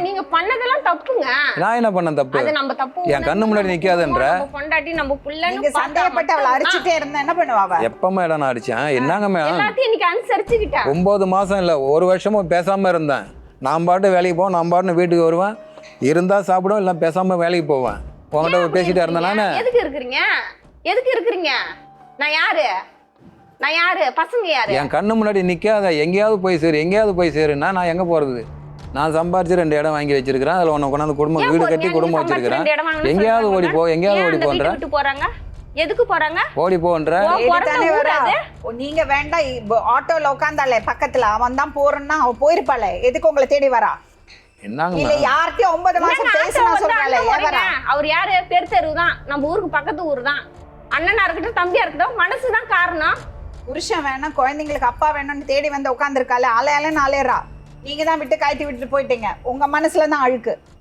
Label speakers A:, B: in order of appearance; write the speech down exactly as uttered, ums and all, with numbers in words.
A: நீங்க பண்ணதெல்லாம் தப்புங்க.
B: நான் என்ன பண்ண தப்பு?
A: அது நம்ம தப்பு.
B: என் கண்ணு முன்னாடி நிக்காதன்ற.
A: நம்ம பொண்டாட்டி நம்ம புள்ளன்னு
C: நீங்க சந்தேகப்பட்டு அவளை அடிச்சிட்டே இருந்தா என்ன பண்ணுவா?
B: எப்ப மேடம் நான் அடிச்சேன்? என்னங்க மேடம்?
A: எல்லாத்தையும் இன்னைக்கு அனுசரிச்சுக்கிட்டேன்.
B: ஒன்பது மாசம் இல்ல ஒரு வருஷமும் பேசாம இருந்தேன். நான் பாட்டு வேலைக்கு போவேன், நான் பாட்டு வீட்டுக்கு வருவேன், இருந்தா சாப்பிடுவேன், இல்லை பேசாம வேலைக்கு போவேன். உங்கள்கிட்ட பேசிட்டே இருந்தேன் நானு.
A: எதுக்கு இருக்கிறீங்க? எதுக்கு இருக்கிறீங்க? நான் யாரு? நான் யாரு? பசங்க யாரு?
B: என் கண்ணு முன்னாடி நிக்காத. எங்கேயாவது போய் சேரு, எங்கேயாவது போய் சேருன்னா நான் எங்க போறது? நான் சம்பாரிச்சு ரெண்டு இடம் வாங்கி வச்சிருக்கிறேன். அதுல உன்னை கொண்டாந்து குடும்பம் வீடு கட்டி குடும்பம் வச்சிருக்கிறேன். எங்கேயாவது ஓடி போ, எங்கேயாவது ஓடி போன்ற.
A: போறாங்க எதுக்கு போறாங்க?
B: ஓடி போன்ற.
C: நீங்க வேண்டாம், ஆட்டோல உட்காந்தாலே பக்கத்துல அவன் தான் போறேன்னா அவ போயிருப்பாளே, எதுக்கு உங்களை தேடி வரா?
B: என்னங்க
C: இல்ல யார்கிட்டயும் ஒன்பது மாசம் பேசினா சொல்றாளே வரா?
A: அவர் யாரு? பெரு தெரு தான், நம்ம ஊருக்கு பக்கத்து ஊர் தான். அண்ணனா இருக்கட்டும் தம்பியா இருக்கட்டும், மனசுதான் காரணம்.
C: புருஷன் வேணும், குழந்தைங்களுக்கு அப்பா வேணும்னு தேடி வந்து உட்காந்துருக்காளே, அலையாலன்னு அலையறா. நீங்க தான் விட்டு காய்ச்சி விட்டுட்டு போயிட்டீங்க. உங்க மனசுல தான் அழுக்கு.